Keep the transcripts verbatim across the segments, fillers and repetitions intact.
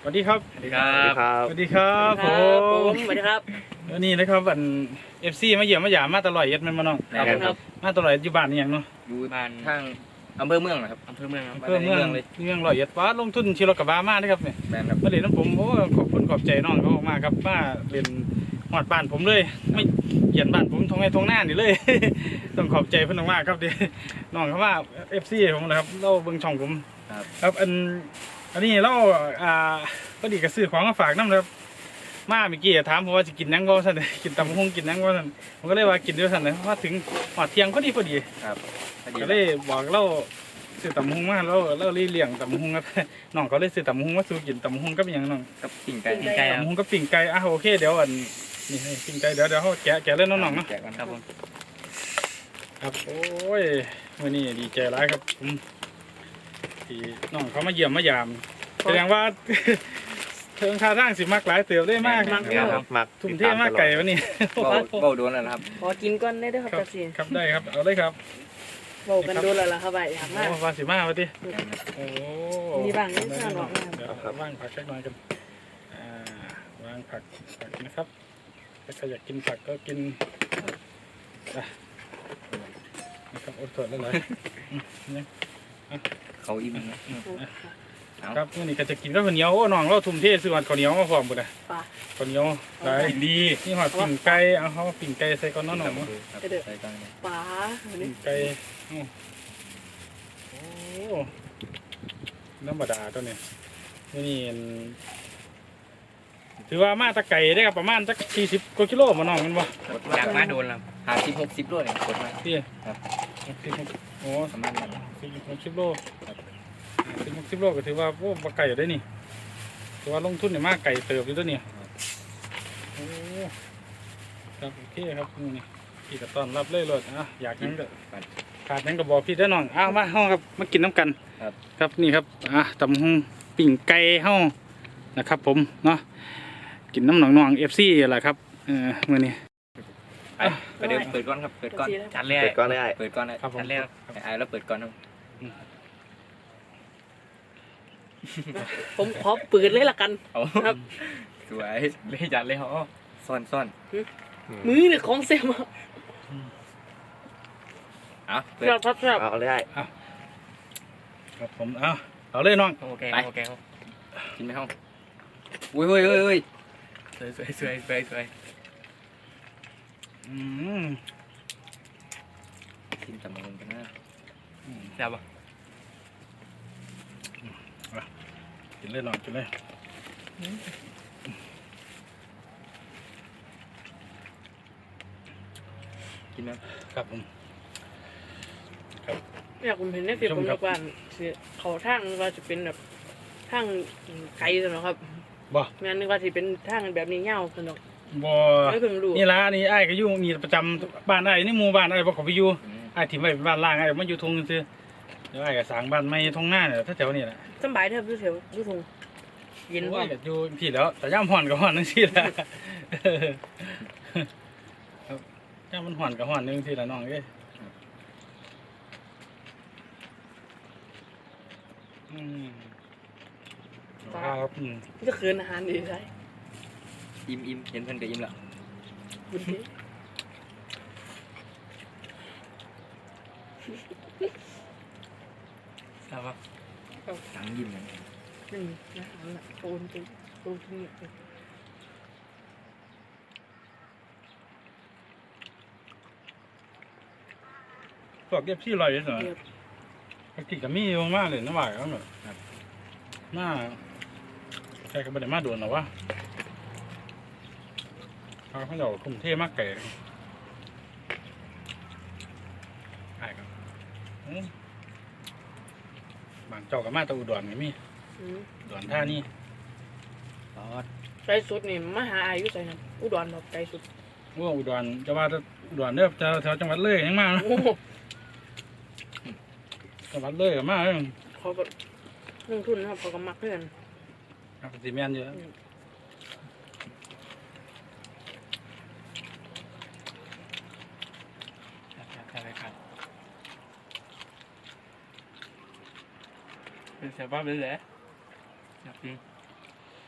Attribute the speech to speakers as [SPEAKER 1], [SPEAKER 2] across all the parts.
[SPEAKER 1] สวัสดีครับ
[SPEAKER 2] สวัสดีครับ
[SPEAKER 1] สวัสดีครับ
[SPEAKER 3] ผมสวัสดีครับ
[SPEAKER 1] วันนี้นะครับอันเอฟซีมาเยี่ยมมาหยามมาตลอดเย็ดมันมาน้อง
[SPEAKER 3] ครับ
[SPEAKER 1] มาตลอดอยู่บ้านนี่อย่างเนาะ
[SPEAKER 2] อยู่บ้านทางอำเภอเมืองนะครับอำเภอเมืองครับ
[SPEAKER 1] เพื่อเมืองเลยเมืองลอยเย็ดว้าลงทุนชีรถกระบะมานะครับเนี่ย
[SPEAKER 2] แมนครับ
[SPEAKER 1] มาเรียนน้ำผมโอ้ขอบคุณขอบใจน้องเขามากครับมาเรียนหอดบ้านผมเลยไม่เหยียนบ้านผมทงไงทงหน้านี่เลย ต้องขอบใจเพื่อนมากครับเดี๋ยวน้องเขาว่าเอฟซีผมนะครับเล่าเบิ้งช่องผมครับอันอันนี้เล่าอ่าก็ดีกับซื้อของมาฝากน้ำครับมาเมื่อกี้ถามผมว่าจะกินนังก็สั่นกินตำฮงกินนังก็สั่นผมก็เลยว่ากินด้วยสั่นเลยว่าถึงหอดเที่ยงพอดีพอดี
[SPEAKER 2] ครับ
[SPEAKER 1] ก็เลยบอกเล่าซื้อตำฮงมาแล้วเล่าเลี้ยงตำฮงครับน้องเขาเลยซื้อตำฮงมาสู่กินตำฮงก็เป็นอย่างน้อง
[SPEAKER 2] กับปิ่งไก่
[SPEAKER 3] ปิ่งไก่
[SPEAKER 1] ตำฮงก็ปิ่งไก่อ่ะโอเคเดี๋ยวอันนี่ให้ปิ่งไก่เดี๋ยวเดี๋ยวเขาแกะแกะเล่นน้องๆเนาะ
[SPEAKER 2] แจกกันครับผม
[SPEAKER 1] ครับโอ้ยวันนี้ดีใจร้ายครับผมที่น้องเขามาเยี่ยมมายามแสดงว่า เทิงท่าทางสิมากหลายเติบได้มาก
[SPEAKER 3] มาก
[SPEAKER 2] ครับมัก
[SPEAKER 1] ทุ่มเทมากไก่วันนี้
[SPEAKER 2] เบ้าเบ้าโดนแล้วนะครับ
[SPEAKER 3] ขอกินก้อนได้ด้วยครับ
[SPEAKER 1] ครับ
[SPEAKER 3] จักรี
[SPEAKER 1] ครับได้ครับเอาเลยครับ
[SPEAKER 3] โบกันดูแล้วล่ะครับไปอยากมาก
[SPEAKER 1] โอ้วาสิมาวันที่โอ้
[SPEAKER 3] มีบ้างนิดหน่อยหรอกนะ
[SPEAKER 1] เดี๋ยวว่างผักสักหน่อยกันอ่าวางผักผักนะครับถ้าใครอยากกินผักก็กินอ่ะนะครับโอ้สดแล้วเลยอืมนี่
[SPEAKER 2] เขาอิ่มนะ
[SPEAKER 1] ครับมื้อนี้ก็จะกินข้าวเหนียวโอ้น้องเราทุ่มเทซื้อหอดข้าวเหนียวมาพร้อมบุญนะ
[SPEAKER 3] ปลา
[SPEAKER 1] ข้าวเหนียวหลายดีนี่หอดปิ่งไก่เอาเขาปิ่งไก่ใส่ก้อนน้องๆเนาะ
[SPEAKER 2] ใส่กัน
[SPEAKER 3] ปลาอัน
[SPEAKER 1] ปิ่
[SPEAKER 3] นี้
[SPEAKER 1] งไก่อ้าวโอ้ธรรมดาตัวนี้มื้อนี้อันถือว่ามาตะไก่ได้ครับประมาณสักสี่สิบกว่ากิโลมาน้องมันบ่
[SPEAKER 2] อยากมาโดนแล้วหาสิบหกสิบโลเนี่ยกดมา
[SPEAKER 1] พี่
[SPEAKER 2] ครับ
[SPEAKER 1] สี่สิบโอ้
[SPEAKER 2] ประมาณนั้น
[SPEAKER 1] สี่สิบหกสิบโลสี่สิบหกสิบโลก็ถือว่าโอ้ปลาไก่อยู่ได้นี่ถือว่าลงทุนเนี่ยมากไก่เติบอยู่ตัวนี้โอ้ครับโอเคครับนี่พี่ก็ต้อนรับเลยเลยอ่ะอยากนั่งก็ขาดนั่งก็บอกพี่ได้อน้องอ้าวมาห้องครับมากินน้ำกัน
[SPEAKER 2] ครับ
[SPEAKER 1] ครับนี่ครับอ่ะตำหงปิ่งไก่ห้องนะครับ ผมเนาะกินน้ำหนองนองเอฟซีแหละครับเออมื่อนี้
[SPEAKER 2] ไปไปเดินเปิดก้อนครับเปิดก้อน
[SPEAKER 4] จัดเลย
[SPEAKER 2] เปิดก้อนได้เปิดก้อนได้
[SPEAKER 1] ครับผม
[SPEAKER 2] จัดเลยไอ้แล้วเปิดก้อนครับ
[SPEAKER 3] ผมขอปืนเลยละกัน
[SPEAKER 2] เอา
[SPEAKER 3] ครับ
[SPEAKER 2] สวยเลยจัดเลยเหรอซ่อนซ่อน
[SPEAKER 3] มือเนี่ยของเสียมา
[SPEAKER 2] เอาเปิด
[SPEAKER 3] ครับครับครับ
[SPEAKER 4] เอาได้
[SPEAKER 1] ครับผมเอาเอาเลยน้อง
[SPEAKER 2] โอเคโอเคกินไหมห้องอุ้ยอุ้ยอุ้ยอุ้ยสวยสวยสวยสวยสวย
[SPEAKER 1] อืม
[SPEAKER 2] กินตำลึงกันนะ
[SPEAKER 1] แซ่บปะกินเลยน้องกินเลย
[SPEAKER 2] กินไหม
[SPEAKER 1] ครับผม
[SPEAKER 3] อยากผมเห็นในคลิปผมบอกว่าสิเขาทางว่าจะเป็นแบบทางไกลสนครับ
[SPEAKER 1] บ่
[SPEAKER 3] แม่นึกว่าจะเป็นทางแบบนี้เงาสน
[SPEAKER 1] บ่
[SPEAKER 3] ไม่เพิ่งรู้
[SPEAKER 1] นี่ละนี่ไอ้ายก็อยู่นี่ประจำบ้านไอ้ายนี่หมู่บ้านไอ้ายบ่เขาไปอยู่ไอ้ายถิ่มไว้เป็นบ้านล่างไอ้ายมาอยู่ทงซื่อเดี๋ยวไอ้ายก็สร้างบ้านใหม่ทงหน้าเนี่ยแถวๆนี่แหละ
[SPEAKER 3] สบายเถอะพี่เถวพี่ทงเย็น
[SPEAKER 1] โอ้
[SPEAKER 3] ว่ะ
[SPEAKER 1] ยอยู่พี่แล้วแต่ย่ามห่อนก็ห่อนนึงสิละครับย่ามมันห่อนก็ห่อนนึงสิละน้องเอ้ยอืมครับอืม
[SPEAKER 3] จะคืนอาหารดีใช่
[SPEAKER 2] อิ่มอิ่มเห็นเพิ่นก็อิ่มแล้ว
[SPEAKER 3] บุญดี
[SPEAKER 2] ทราบป่ะหนังยิ้มเลย
[SPEAKER 3] หนึ่งอาหารละโอนจริงโอนจริง
[SPEAKER 1] พวกเก็บที่ลอยเลยเหรอปกติก็มีอยู่มากเลยนะบ่ายเขาเนอะมาใครก็ไม่ได้มาโดนหรอวะเขาเขาจะทุ่มเทมากไก่ใช่ครับอืมบางเจ้ากับมาแตะอุดรก็มี
[SPEAKER 3] อืม
[SPEAKER 1] อุดรท่านี่ตอด
[SPEAKER 3] ใจสุดนี่มหาอายุใจนะอุดรแบบใจสุด
[SPEAKER 1] ว่าอุดรจะว่าแต่อุดรเนี่ยแถวแถวจังหวัดเลยยังมานะ
[SPEAKER 3] โอ้โห
[SPEAKER 1] จังหวัดเลยก็มาเออ
[SPEAKER 3] เขาก็ลงทุนนะครับเขาก็มักเพื่อน
[SPEAKER 1] ครับสีแมนเยอะใช่ครับ
[SPEAKER 2] เป็นเสียบ้าเป็นแหละอยากกิน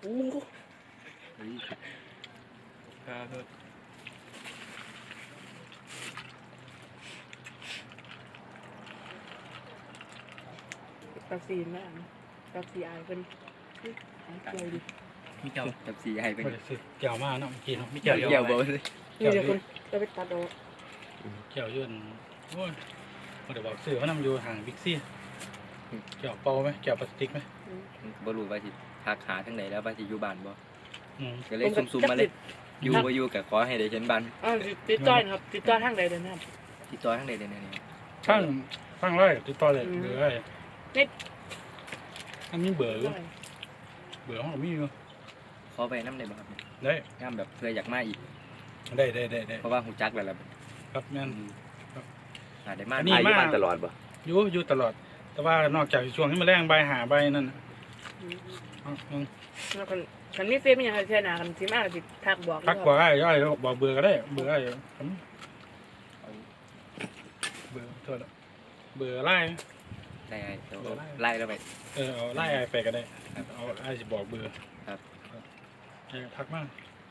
[SPEAKER 3] อ้โห
[SPEAKER 2] เฮ้ยครับ
[SPEAKER 3] ตัดซีนแล้วตัดซีไอเป็นหายใจดิ
[SPEAKER 1] มีเจ้า
[SPEAKER 2] จับสีให้เป็น
[SPEAKER 1] บ่ได้ซื้อแก้วมาเนาะเมื่อกี้เนาะมี
[SPEAKER 2] เกี่
[SPEAKER 1] แก้
[SPEAKER 2] ยว ว
[SPEAKER 1] เดียว
[SPEAKER 2] เกี่ยวบ่เลย
[SPEAKER 3] นี่เดี๋ยวคนจะไปตัดเอา
[SPEAKER 1] แก้วยื่นโอ้ยบ่ได้บอกซื้อว่านำอยู่ห่างบิ๊กซีแก้วเปล่าไหมแก้วพลาสติกไหม
[SPEAKER 2] บ่รู้ว่าสิทักหาทางไหนแล้วว่าสิอยู่บ้านบ่
[SPEAKER 1] อืม
[SPEAKER 2] ก็เลยซุ่มๆมาเลยอยู่บ่อยู่ก็ขอให้ได้เห็นบ้าน
[SPEAKER 3] อ้าวติดต่อนะครับติดต่อทางใดเดินนะครับ
[SPEAKER 2] ติดต่อทางใดได้แน่นี่
[SPEAKER 1] ข้างข้างไร่ติดต่อเลย
[SPEAKER 3] อืม
[SPEAKER 1] เบอร์ไอ้
[SPEAKER 3] เน็ต
[SPEAKER 1] อันนี้เบอร์อยู่เบอร์ห้องมีอยู่
[SPEAKER 2] ขอไปนำได้บ่ครับ
[SPEAKER 1] ได้
[SPEAKER 2] ยามแบบเพื่ออยากมาอีก
[SPEAKER 1] ได้ได้ได้ได้
[SPEAKER 2] เพราะว่าฮู้จักแล้วล่ะ
[SPEAKER 1] ครับแม่น
[SPEAKER 2] อาจได้มา
[SPEAKER 1] อันนี้
[SPEAKER 4] อายุบ้านตลอดบ่
[SPEAKER 1] อยู่อยู่ตลอด แต่ว่านอกจากช่วงที่มาแรงใบหาใบนั่นน่ะ
[SPEAKER 3] อืม
[SPEAKER 1] เอาเอา
[SPEAKER 3] แล้วกันคันมีเฟซมีอย่างไรแช่หนากันสิมาสิทักบอก
[SPEAKER 1] ทักบอกไอ้ไอ้บอกเบอร์ก็ได้เบอร์ไอ้ผมเบอร์โทษละเบอร์ไล่
[SPEAKER 2] ได้ๆเดี๋ยวไล่แล้วไป
[SPEAKER 1] เออเอาไล่ไอ้ไปก็ได้เอาไอ้จะบอกเบอร์
[SPEAKER 2] ครับ
[SPEAKER 1] ไอ้ทักมา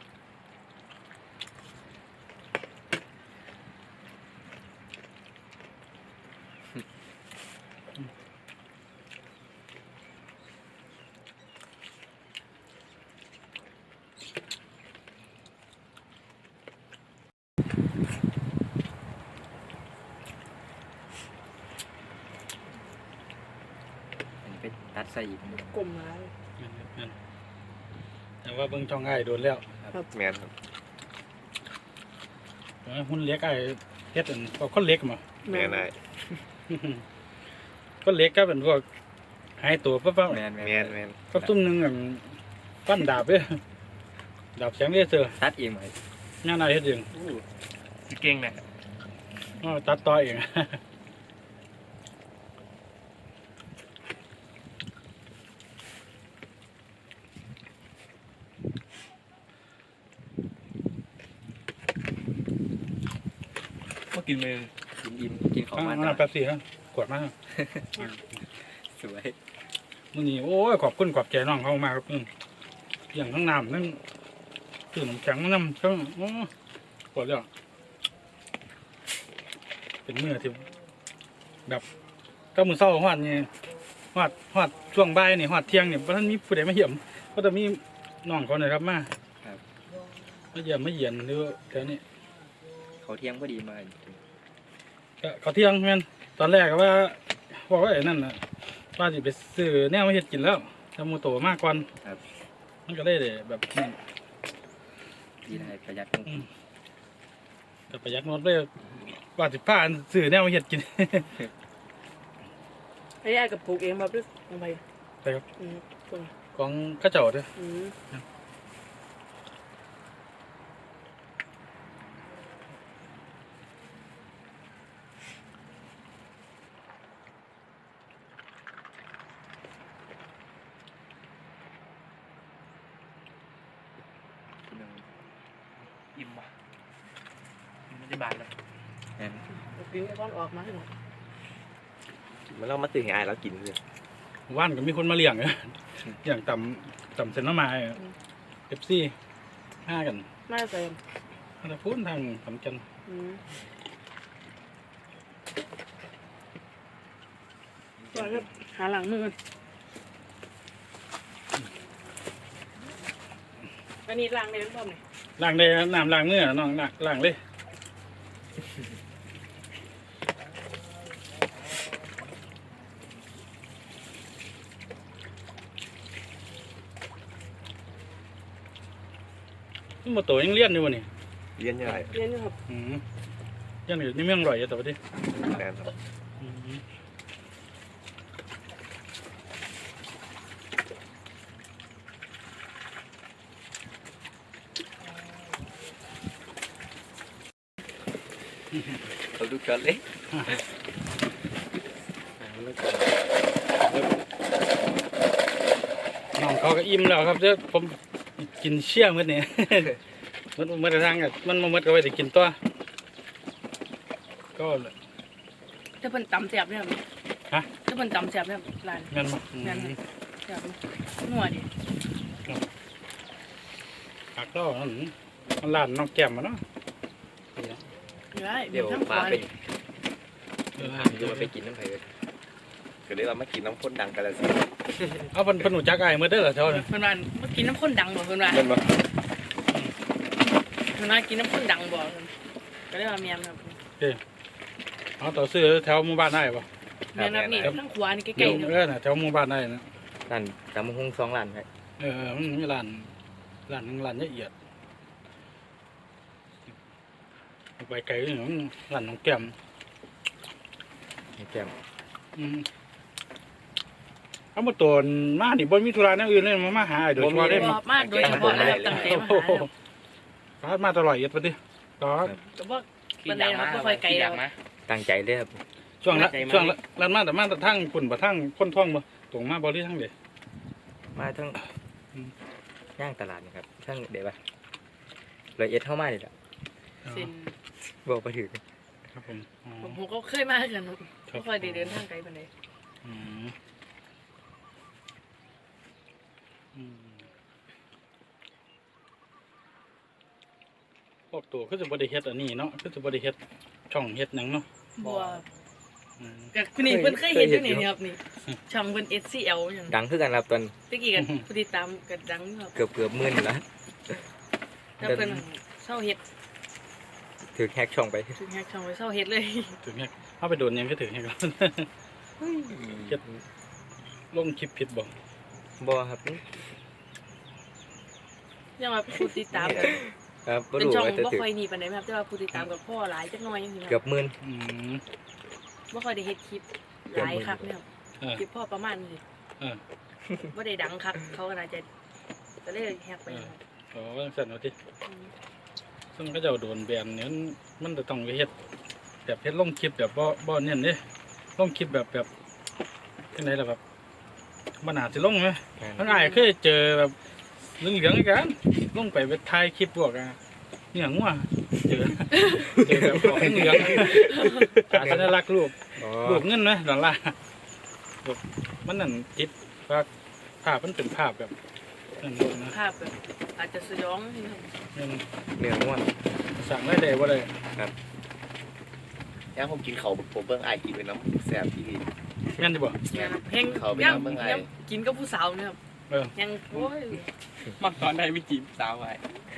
[SPEAKER 2] อันนี้ไปตัดใส่อีก
[SPEAKER 3] กลมมา
[SPEAKER 1] แม่นแต่ว่าเบิ่งช่องไอ้โดนแล้ว
[SPEAKER 4] แมนครับ
[SPEAKER 1] เออหุ่นเล็กไอ้เฮ็ดอันพวกคนเล็กมา
[SPEAKER 4] แมนได้
[SPEAKER 1] คนเล็กก็เป็นพวกหายตัวปั๊บปั๊บ
[SPEAKER 2] แม่น
[SPEAKER 4] แมนแมน
[SPEAKER 1] ก็ตุ้มหนึงอันปั้นดาบเด้อดาบแสงเลเซอร์
[SPEAKER 2] ตัดเองไหม
[SPEAKER 1] งานอะไรเฮ็ดเอง
[SPEAKER 2] เก่งนะ
[SPEAKER 1] อ๋อตัดต่อเอง
[SPEAKER 2] มากินมือกินอิ่มกินของ
[SPEAKER 1] อ่า
[SPEAKER 2] มัน
[SPEAKER 1] น้ำแป๊บซี่ครับขวดมา
[SPEAKER 2] สวย
[SPEAKER 1] มื้อนี้โอ้ยขอบคุณขอบใจน้องเขามากครับอืมอย่างทั้งน้ำทั้งตื่นน้ำแข็งน้ำทั้งโอ้ปวดแล้วเป็นมื้อที่แบบก็มื้อเช้าฮอดนี่ฮอดฮอดช่วงบ่ายนี่ฮอดเที่ยงนี่บ่ทันมีผู้ใดมาเยี่ยมก็จะมีน้องเขานี่ครับมามาเยี่ยมมาเยียนหรือแถวนี้
[SPEAKER 2] เขาเที่ยงพอดีมา
[SPEAKER 1] ก็เขาเที่ยงแม่นตอนแรกก็ว่าบอกว่าไอ้นั่นน่ะว่าสิไปซื้อแนวมาเฮ็ดกินแล้วทำหมูโตมากก่อนมันก็เลยได้แบบนั้น
[SPEAKER 2] ดีได้ประหยัด
[SPEAKER 1] อืมก็ประหยัดงดเลยว่าสิพาซื้อแนวมาเฮ็ดกิน
[SPEAKER 3] ไอ้ไอ้กับปลูกเองแบบด้วยลงไป
[SPEAKER 1] ไปครับ
[SPEAKER 3] อืมคน
[SPEAKER 1] ของเข้าเจ้าเด้อ
[SPEAKER 3] อืม
[SPEAKER 2] อิ่มว่ะไม่ได้บานเลยแม่น
[SPEAKER 3] กินไอ้ก้อนออกมาให้หมด
[SPEAKER 4] มันเรามาตื่นให้อายแล้วกินเลย
[SPEAKER 1] ว่านก็มีคนมาเลี้ยง อย่างต่ำต่ำเซนต์มาเอฟซีห้ากัน
[SPEAKER 3] น่าจะ
[SPEAKER 1] ถ้าพูดทางสำคัญ
[SPEAKER 3] อืมก่อนครับหาหลังมือกันอันนี้ล้างในน้ำต้มเนี่ย
[SPEAKER 1] ล้างได้น้ำล้างเนื้อน้องล้างล้างเลยหมดตัวยังเลี้ยนอยู่วะนี่
[SPEAKER 4] เลี้ยนยังไง
[SPEAKER 3] เรียนอยู่ครับ
[SPEAKER 1] อืมยังอยู่ในเมืองอร่อยอยู่แต่ว่าดิ
[SPEAKER 4] แมนครับ
[SPEAKER 1] อืม
[SPEAKER 2] เราดูกันเลย
[SPEAKER 1] น้องเขาก็อิ่มแล้วครับเจ้าผมกินเชี่ยมื้อนี้ มันมันทางอ่ะมันมันก็ไว้แต่กินตัวก็
[SPEAKER 3] จะเป็นตำแซ่บเนี่ยครับ
[SPEAKER 1] ฮะ
[SPEAKER 3] จะเป็นตำแซ่บเนี่ยครับร้าน
[SPEAKER 1] งั้นบ่อื
[SPEAKER 3] งั้น
[SPEAKER 1] ม
[SPEAKER 3] แซ่บนัวดิ
[SPEAKER 1] ผักเรานั่นมันร้านน้องแก้มมาเนาะ
[SPEAKER 3] ได้
[SPEAKER 2] เดี๋ยว
[SPEAKER 3] ทั้งข
[SPEAKER 2] ปลาว
[SPEAKER 3] า
[SPEAKER 2] ไป
[SPEAKER 3] นี่
[SPEAKER 1] เออ
[SPEAKER 2] เดี๋ยวมันไปกินน้ำไผ่เลย
[SPEAKER 4] ก็เลยว่ามากินน้ำข้นดังกันแล้วสิ
[SPEAKER 1] เอาเพิ่นเพิ่นรู้จักอ้ายมื้อเด้อล่ะเท่านั้น
[SPEAKER 3] เพิ่นว่าเมื่อกินน้ำข้นดังบ่เพิ่นว่า
[SPEAKER 4] เงินบ่
[SPEAKER 3] เพิ่นว่ากินน้ำข้นดังบ่ก็เลยว่าเมียนครับ
[SPEAKER 1] เอาต่อซื้อแถวหมู่บ้านได้บ่
[SPEAKER 3] เมียนครับนี่ทั้งขวานี่ใก
[SPEAKER 1] เดี๋
[SPEAKER 3] ล้
[SPEAKER 1] ยว
[SPEAKER 3] ๆเนาะ
[SPEAKER 1] เออน่ะแถวหมู่บ้านได้นะ
[SPEAKER 2] ร้านตำมะฮุ่งสองร้านไผ่
[SPEAKER 1] เออมันมีร้านร้านหนึงร้านละเอียดไปไกลนี่มันร้านน้องแก้ม
[SPEAKER 2] แก้ม
[SPEAKER 1] อืมเอามาตนมานี่บ่มีธุระแนวอื่นเลยมามาหาอ้ายโดยเฉพาะได้
[SPEAKER 3] บ่มาโดยเฉพาะเลยครับตั้งใจมาหาครับ
[SPEAKER 1] ฟ้ามาตลอดเอียดปะดิต่อ
[SPEAKER 3] ก็บ่ปานใดครับบ่ค่อยไกลแล้ว
[SPEAKER 2] ตั้งใจเลยครับ
[SPEAKER 1] ช่วงละ
[SPEAKER 3] ใจมา
[SPEAKER 1] ช่วงละร้านมาแต่มาแต่ทั้งฝุ่นบ่ทั้งคนท่องบ่ตรงมาบ่หรือทั้งเด
[SPEAKER 2] มาทั้ง
[SPEAKER 1] อืม
[SPEAKER 2] ย่างตลาดนี่ครับทั้งเดี๋ยวปะละเอียดเท่ามาเลยล่ะ
[SPEAKER 3] เส้น
[SPEAKER 2] บอกไปถึง
[SPEAKER 1] ครับผมอ๋อ
[SPEAKER 3] ผมผมก็เคยมาคือกันครับบ่ค่อยได้เดินทางไกลปานใด
[SPEAKER 1] อืมอืมพวกตัวคือสิบ่ได้เฮ็ดอันนี้เนาะคือสิบ่ได้เฮ็ดช่องเฮ็ดหยังเนาะ
[SPEAKER 3] บ่
[SPEAKER 1] อืม
[SPEAKER 3] ก็คือนี่เพิ่นเคยเห็นอยู่นี่ครับนี่ช่องเพิ่น เอส ซี แอล หยัง
[SPEAKER 2] ดังขึ้นกันครับตอน
[SPEAKER 3] ตะกี้กันผู้ติดตามก็ดังครับ
[SPEAKER 2] เกือบเกือบหมื่นอยู่แล้ว
[SPEAKER 3] ถ้าเพิ่นเศร้าเฮ็ด
[SPEAKER 2] ถือแฮกช่องไป
[SPEAKER 3] ถึงแฮกช่องไว้เศร้าเฮ็ดเลย
[SPEAKER 1] ถึงเฮ็ดเอาไปโดนหยังก็ถึงเฮ็ดครับ เฮ็ดลงคลิปผิดบ่
[SPEAKER 2] บ่ครับ
[SPEAKER 3] ยังว่าผู้ติดตามก็
[SPEAKER 2] ครับบ่
[SPEAKER 3] เป็น
[SPEAKER 2] รู้
[SPEAKER 3] ช่อง
[SPEAKER 2] ว่าจะ
[SPEAKER 3] บ่
[SPEAKER 2] ถือ
[SPEAKER 3] ค่อยหนีปานใดครับแต่ว่าผู้ติดตามกับพ่อหลายจักหน่อยจังซี่นะ
[SPEAKER 2] เกือบหมื่น
[SPEAKER 1] อืม
[SPEAKER 3] บ่ค่อยได้เฮ็ดคลิปหลายคักเนี่ยครับ
[SPEAKER 1] เออ
[SPEAKER 3] คลิปพ่อประมาณนี้
[SPEAKER 1] เออ
[SPEAKER 3] บ่ได้ดังคักเขาก็น่าจะก็เลยแฮกไปครับ
[SPEAKER 1] อ๋อว่าจังซั่นเอาติ
[SPEAKER 3] อืม
[SPEAKER 1] ซึ่งก็เจ้าโดนแบนเนี่ยมันมันจะต้องไปเฮ็ดแบบเฮ็ดลงคลิปแบบบ่บ่เน้นเด้ลงคลิปแบบแบบจังไดล่ะแบบบ่น่าสิลงไหมมันอ้ายเคยเจอแบบเหลืองๆกันลงไปไปถ่ายคลิปพวกอ่ะเนี่ยงัวเจอเจอแบบของเหลืองๆอาสัญลักษณ์รูป
[SPEAKER 2] อ๋อ
[SPEAKER 1] รูปเงินไหมดอลลาร์แบบมันนั่นจิตว่าภาพมันเป็นภาพแบบนั่นนะ
[SPEAKER 3] ภาพแบบอาจจะสยองนี่ครับ
[SPEAKER 1] เงิน
[SPEAKER 2] เนื้อง่วน
[SPEAKER 1] สั่งได้ได้บ่ได้
[SPEAKER 4] ยังผมกินเขาวผมเบิ่งอ้ายกินเป็นน้ำแซ่บที่ดี
[SPEAKER 1] แม่นสิบ่
[SPEAKER 3] เนี่ยครับเพลง
[SPEAKER 4] เขาไป
[SPEAKER 3] ยัง
[SPEAKER 4] ทำเมืองไทย
[SPEAKER 3] ยังกินกับผู้สาวเนี่ยครับ
[SPEAKER 1] เออ
[SPEAKER 3] ยังโอ้ย
[SPEAKER 2] มักตอนได้ไม่จีบสาวไว้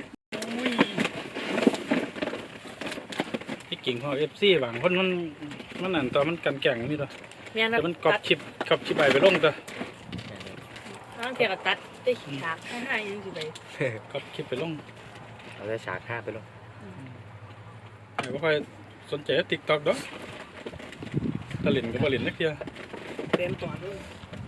[SPEAKER 1] ที่กิ่งของ เอฟ ซี บางคนมันมันนั่นตอนมันกันแก่งนี่ตัว
[SPEAKER 3] แม่นค
[SPEAKER 1] แต่
[SPEAKER 3] รับ
[SPEAKER 1] มันกรอบคลิปกรอบคลิปไปไปลงตัว
[SPEAKER 3] บางเทีก็ตัดได้ฉากให้ให้ยังสิไป
[SPEAKER 1] กรอบคลิปไปลง
[SPEAKER 2] เราจะฉากห้าไปลง
[SPEAKER 1] ไอ้บ่ค่อยสนใจ TikTok ดอกตะลินก็บ่ลินนักเที่ย
[SPEAKER 3] เต็มตัวเลย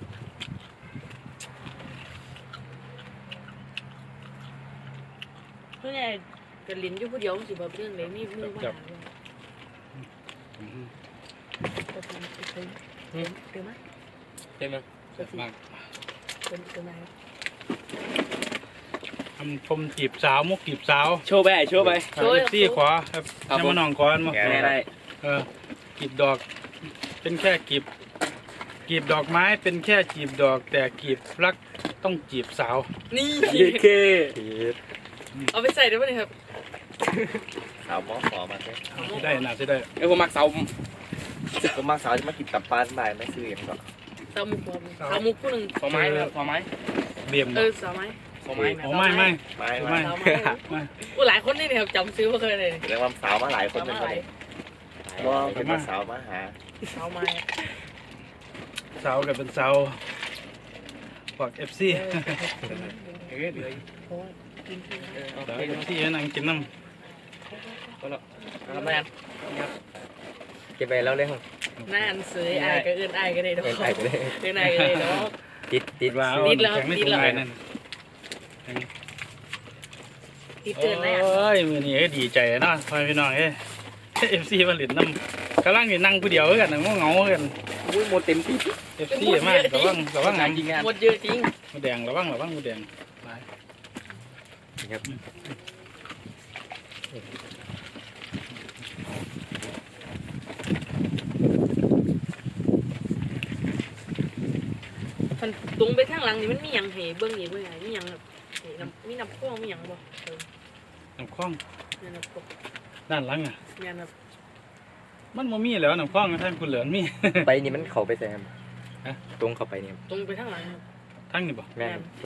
[SPEAKER 3] เพื่อนไงก็ลิ้นอยู่ผู้เดียวสิบ่เรื่องเลยมีมือมาหาเรื่อง
[SPEAKER 1] อืม
[SPEAKER 3] แต่ผมเคยเติมไหม
[SPEAKER 2] เต็มมั้ย
[SPEAKER 1] แซ่บมาก
[SPEAKER 3] เติมเติมไหม
[SPEAKER 1] ทำชมจีบสาวมุกจีบสาว
[SPEAKER 2] โชว์ไปโชว์ไป
[SPEAKER 1] เอฟซีขวาครับ
[SPEAKER 2] ครับ
[SPEAKER 1] ให้
[SPEAKER 2] ผม
[SPEAKER 1] มาน้องก่อนมา
[SPEAKER 2] ได้ได้
[SPEAKER 1] เออกีบดอก เป็นแค่กีบกีบดอกไม้เป็นแค่จีบดอก แต่กีบรักต้องจีบสาว
[SPEAKER 3] นี่
[SPEAKER 2] เย้เค
[SPEAKER 3] เอาไปใส่ได้ไหมครับ
[SPEAKER 4] สาวหมอขอมาใช่
[SPEAKER 1] สิได้น่าสิได้
[SPEAKER 2] เออผมมักเสา
[SPEAKER 4] ก็มาสาวจะมากินตับปลาบ่ายไม่ซื้ออย่างก็
[SPEAKER 3] สามุกผมสามุกผู้หนึ่ง
[SPEAKER 2] สองไม้สองไม้
[SPEAKER 1] เบียม
[SPEAKER 3] เออสาวไม้
[SPEAKER 2] สองไม้
[SPEAKER 1] โอ้ไม่ไม่
[SPEAKER 4] ไม่
[SPEAKER 1] ไม่
[SPEAKER 4] ไม่
[SPEAKER 3] สาวไม้
[SPEAKER 1] ไม่
[SPEAKER 3] กูหลายคนนี่เนี่ยครับจำซื้อมาเคยเลย
[SPEAKER 4] เรียกว่าสาวมาหลายคน
[SPEAKER 3] สาว
[SPEAKER 4] เป็น
[SPEAKER 3] ไม้
[SPEAKER 4] คนว่าเป็นว่าสาวมาหา
[SPEAKER 3] สาวไม้
[SPEAKER 1] สาวกับเป็นสาวพวกเอฟซี
[SPEAKER 2] เออเดี๋ยว
[SPEAKER 3] โอ้ยกินที่
[SPEAKER 2] เออ
[SPEAKER 1] สาวเอฟซีนั่งกินน้
[SPEAKER 2] ก็แล้วทำไมอ่ะเก็บไปแล้วเลยครับ
[SPEAKER 3] หน้าอันเสยอายก็เอื้อนอายก็ได้ดอก
[SPEAKER 2] เอ็นไอไปเลย
[SPEAKER 3] เอื้อนอายก็ได้ดอก
[SPEAKER 2] ติดติด
[SPEAKER 1] ำว้าว
[SPEAKER 3] ติดแล้ว
[SPEAKER 1] แข็งไม่
[SPEAKER 3] ติ
[SPEAKER 1] ถึ
[SPEAKER 3] ด
[SPEAKER 1] ง
[SPEAKER 3] แล้ว
[SPEAKER 1] ไงนั่น
[SPEAKER 3] ติด
[SPEAKER 1] โอ
[SPEAKER 3] เตือนเลยอ่ะ
[SPEAKER 1] ้ยมือนี้ก็ดีใจเนาะพ่อพี่น้องเอ้เอฟซีมาหลินน้ำกำลังอยู่นั่งผู้เดียวกันนะง่วงเหงากัน
[SPEAKER 2] อุ้ยหมดเต็มที่
[SPEAKER 1] เอฟซีมากระวังระวังห
[SPEAKER 2] งา
[SPEAKER 1] นั
[SPEAKER 2] น
[SPEAKER 1] ง
[SPEAKER 2] จริงงาน
[SPEAKER 3] หมดเยอะจริง
[SPEAKER 1] มดแดงระวังระวังมดแดงไป
[SPEAKER 2] ครับ
[SPEAKER 3] มันตรงไปข้างหลังนี่มันมีหยังให้เบิ่งอีกเบิ่งไงมีหยังแบบนี่น้ำมีน้ำข้วงมีหยังบ่เออ
[SPEAKER 1] น้ำคล้อง
[SPEAKER 3] แม่นครับ
[SPEAKER 1] ด้านหลังอ่ะ
[SPEAKER 3] แม่นครับ
[SPEAKER 1] มันบ่มีแล้วน้ำคล้องท่านคุณเหลือนมี
[SPEAKER 4] ไปนี่มันเขาไปแซม
[SPEAKER 1] ฮะ
[SPEAKER 4] ตรงเข้าไปเนี่ย
[SPEAKER 3] ตรงไปทางหลังครับ
[SPEAKER 1] ทั้งนี่บ่
[SPEAKER 4] แม่น